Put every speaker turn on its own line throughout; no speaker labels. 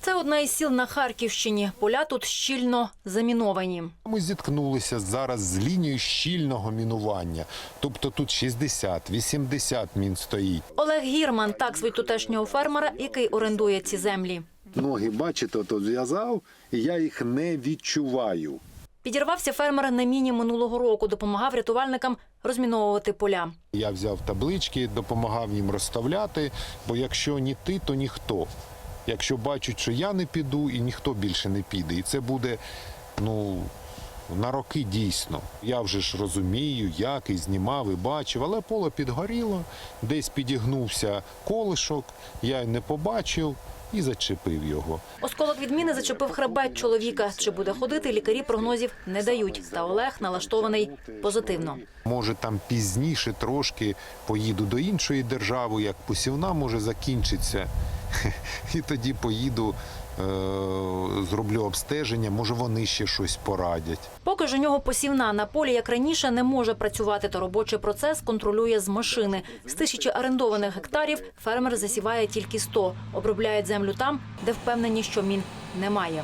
Це одна із сіл на Харківщині. Поля тут щільно заміновані.
Ми зіткнулися зараз з лінією щільного мінування. Тобто тут 60-80 мін стоїть.
Олег Гірман – так звуть тутешнього фермера, який орендує ці землі.
Ноги, бачите, то зв'язав, і я їх не відчуваю.
Підірвався фермер на міні минулого року, допомагав рятувальникам розміновувати поля.
Я взяв таблички, допомагав їм розставляти, бо якщо ні ти, то ніхто. Якщо бачать, що я не піду, і ніхто більше не піде. І це буде, на роки дійсно. Я вже ж розумію, як, і знімав, і бачив, але поле підгоріло, десь підігнувся колишок, я й не побачив і зачепив його.
Осколок від міни зачепив хребет чоловіка. Чи буде ходити, лікарі прогнозів не дають. Та Олег налаштований позитивно.
Може, там пізніше трошки поїду до іншої держави, як посівна може закінчиться. І тоді поїду, зроблю обстеження, може вони ще щось порадять.
Поки ж у нього посівна на полі, як раніше, не може працювати, то робочий процес контролює з машини. З 1000 орендованих гектарів фермер засіває тільки 100. Обробляють землю там, де впевнені, що мін немає.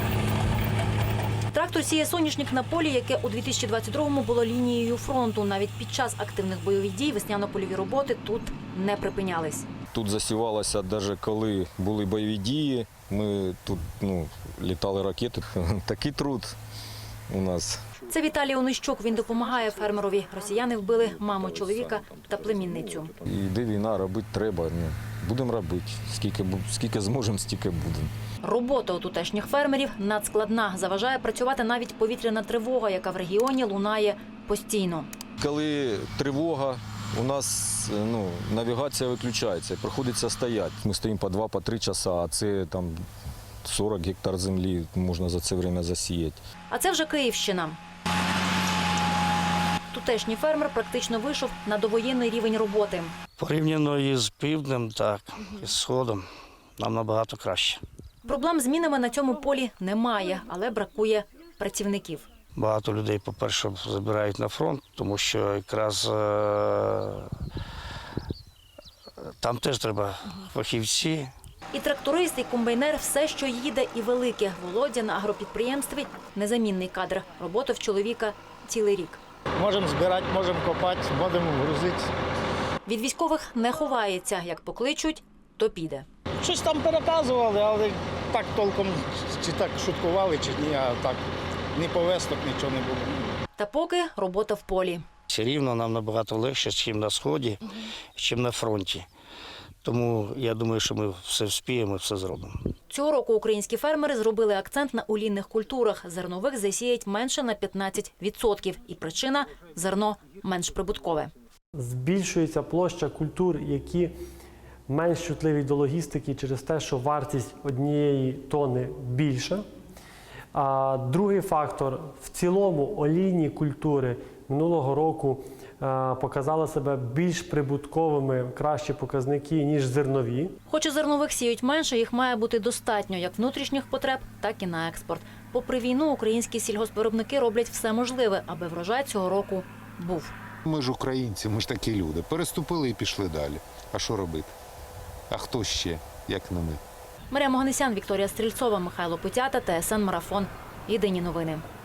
Трактор сіє соняшник на полі, яке у 2022-му було лінією фронту. Навіть під час активних бойових дій весняно-польові роботи тут не припинялись.
Тут засівалося, навіть коли були бойові дії, ми тут літали ракети. Такий труд у нас.
Це Віталій Онищук. Він допомагає фермерові. Росіяни вбили маму чоловіка та племінницю.
Йде війна, робити треба. Будемо робити. Скільки зможемо, стільки будемо.
Робота у тутешніх фермерів надскладна. Заважає працювати навіть повітряна тривога, яка в регіоні лунає постійно.
Коли тривога, у нас навігація виключається, приходиться стояти. Ми стоїмо по 2-3 часа, а це там 40 гектар землі можна за це час засіяти.
А це вже Київщина. Тутешній фермер практично вийшов на довоєнний рівень роботи.
Порівняно із півднем, так, із сходом, нам набагато краще.
Проблем з мінами на цьому полі немає, але бракує працівників.
Багато людей, по-перше, забирають на фронт, тому що якраз там теж треба фахівці.
І тракторист, і комбайнер – все, що їде, і велике. Володя на агропідприємстві – незамінний кадр. Робота в чоловіка цілий рік.
Можемо збирати, можемо копати, будемо грузити.
Від військових не ховається. Як покличуть, то піде.
Щось там переказували, але так толком, чи так шуткували, чи ні, а так ні повесток, нічого не було.
Та поки робота в полі.
Все рівно нам набагато легше, ніж на сході, ніж на фронті. Тому я думаю, що ми все вспіємо, все зробимо.
Цього року українські фермери зробили акцент на олійних культурах. Зернових засіять менше на 15%. І причина – зерно менш прибуткове.
Збільшується площа культур, які менш чутливі до логістики через те, що вартість однієї тони більша. А другий фактор – в цілому олійні культури минулого року показали себе більш прибутковими, кращі показники, ніж зернові.
Хоч і зернових сіють менше, їх має бути достатньо як внутрішніх потреб, так і на експорт. Попри війну, українські сільгоспвиробники роблять все можливе, аби врожай цього року був.
Ми ж українці, ми ж такі люди. Переступили і пішли далі. А що робити? А хто ще, як не ми?
Марія Моганесян, Вікторія Стрільцова, Михайло Путята, ТСН Марафон. Єдині новини.